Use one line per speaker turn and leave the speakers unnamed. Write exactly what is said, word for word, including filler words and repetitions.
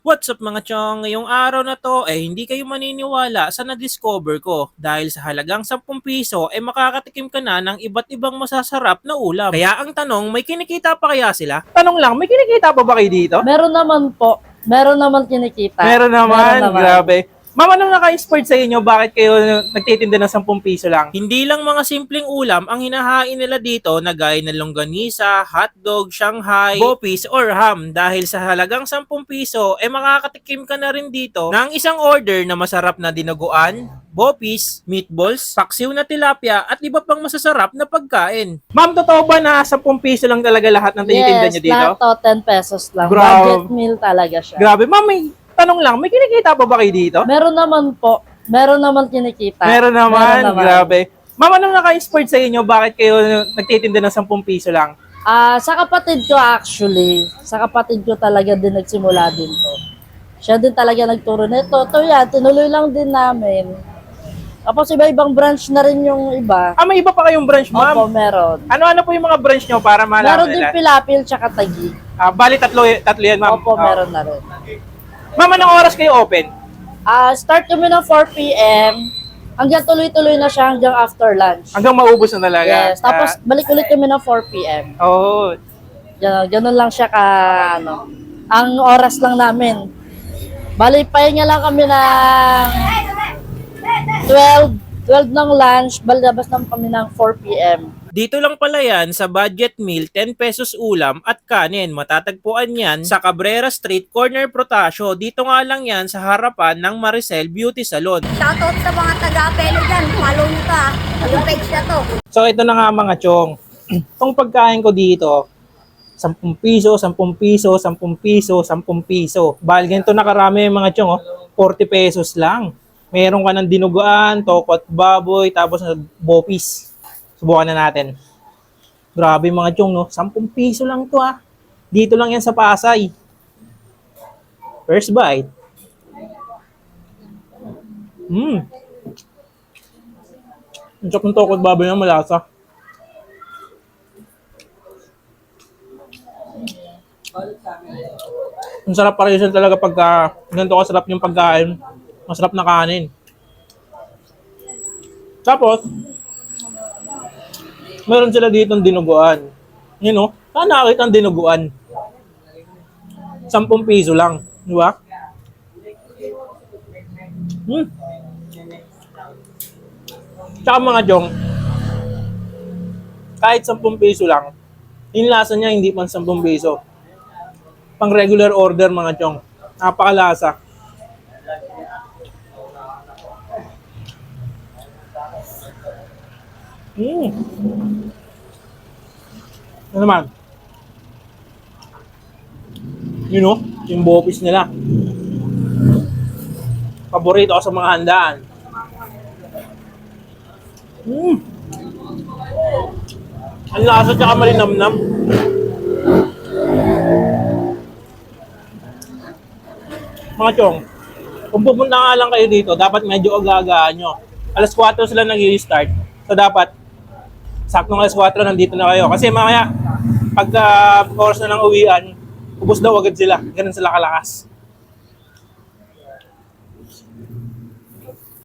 What's up mga chong? Ngayong araw na to eh hindi kayo maniniwala sa na-discover ko. Dahil sa halagang sampung piso eh makakatikim ka na ng iba't ibang masasarap na ulam. Kaya ang tanong, may kinikita pa kaya sila? Tanong lang, may kinikita pa ba kayo dito?
Meron naman po. Meron naman kinikita.
Meron naman,
Meron naman.
grabe. Ma'am, anong naka-inspired sa inyo? Bakit kayo nagtitinda ng sampung piso lang? Hindi lang mga simpleng ulam ang hinahain nila dito na gaya ng longganisa, hotdog, Shanghai, bopis, or ham. Dahil sa halagang sampung piso, eh makakatikim ka na rin dito ng isang order na masarap na dinuguan, bopis, meatballs, paksiw na tilapia, at iba pang masasarap na pagkain. Ma'am, totoo ba na sampung piso lang talaga lahat ng tinitinda
Yes,
niyo dito?
lahat to ten pesos lang.
Grabe.
Budget meal talaga siya.
Grabe. Ma'am, may tanong lang, may kinikita pa ba kayo dito?
Meron naman po. Meron naman kinikita.
Meron naman,
Meron naman.
grabe. Ma'am, anong naka-inspired sa inyo? Bakit kayo nagtitinda ng sampung piso lang?
Ah, sa kapatid ko actually, sa kapatid ko talaga din nagsimula din to. Siya din talaga nagturo nito. To yan, tinuloy lang din namin. Tapos iba-ibang branch na rin yung iba.
Ah, may iba pa kayong branch,
Opo,
ma'am?
meron.
Ano-ano po yung mga branch nyo para malaman
Meron din
nila?
Pilapil tsaka Taguig.
Ah, bali, tatlo, tatlo yan, ma'am.
Opo,
Oh.
meron na rin.
Ma'am, anong oras kayo open?
Ah, start kami ng four p.m. Hanggang tuloy-tuloy na siya hanggang after lunch.
Hanggang maubos na talaga.
Yes, tapos balik ulit kami ng four p.m.
Ah, oh,
Ganun, ganun lang siya ka, ano, ang oras lang namin. Bali, pahinga lang kami ng twelve, twelve ng lunch, bali labas lang kami ng four p.m. Dito lang pala yan sa budget meal, ten pesos ulam at kanin. Matatagpuan yan sa Cabrera Street, Corner Protasio. Dito nga lang yan sa harapan ng Maricel Beauty Salon.
Shoutout sa mga taga-Apelo dyan. Follow nyo to ah. Yung page na to.
So ito na nga mga chong. Itong pagkain ko dito, sampung piso, sampung piso, sampung piso, sampung piso. Bahal ganito nakarami mga chong, oh, forty pesos lang. Meron ka ng dinuguan, tokot baboy, tapos bopis. Subukan na natin. Grabe mga chong, no? sampung piso lang to ah. Dito lang yan sa Pasay. First bite. Mmm. Ang sarap ng tokot baboy na malasa. Ang sarap pa rin talaga pagka ganito kasarap yung pagkain. Masarap na kanin. Tapos, meron sila dito ng dinuguan. You know, saan nakakita ang dinuguan? Sampung piso lang. Di ba? Hmm. Tsaka mga jong, kahit sampung piso lang, yung lasa niya hindi pang sampung piso. Pang regular order mga chong. Napakalasa. Mm. Ano naman? You know, yung bopis nila. Paborito ko sa mga handaan. Mm. Ang lasa tsaka malinamnam. Mga chong, kung pupunta nga lang kayo dito, dapat medyo aga-agaan nyo. alas kwatro sila nag-i-start. So dapat, saktong alas kwatro nandito na kayo. Kasi mamaya, pagka oras na ng uwian, ubos daw agad sila. Ganun sila kalakas.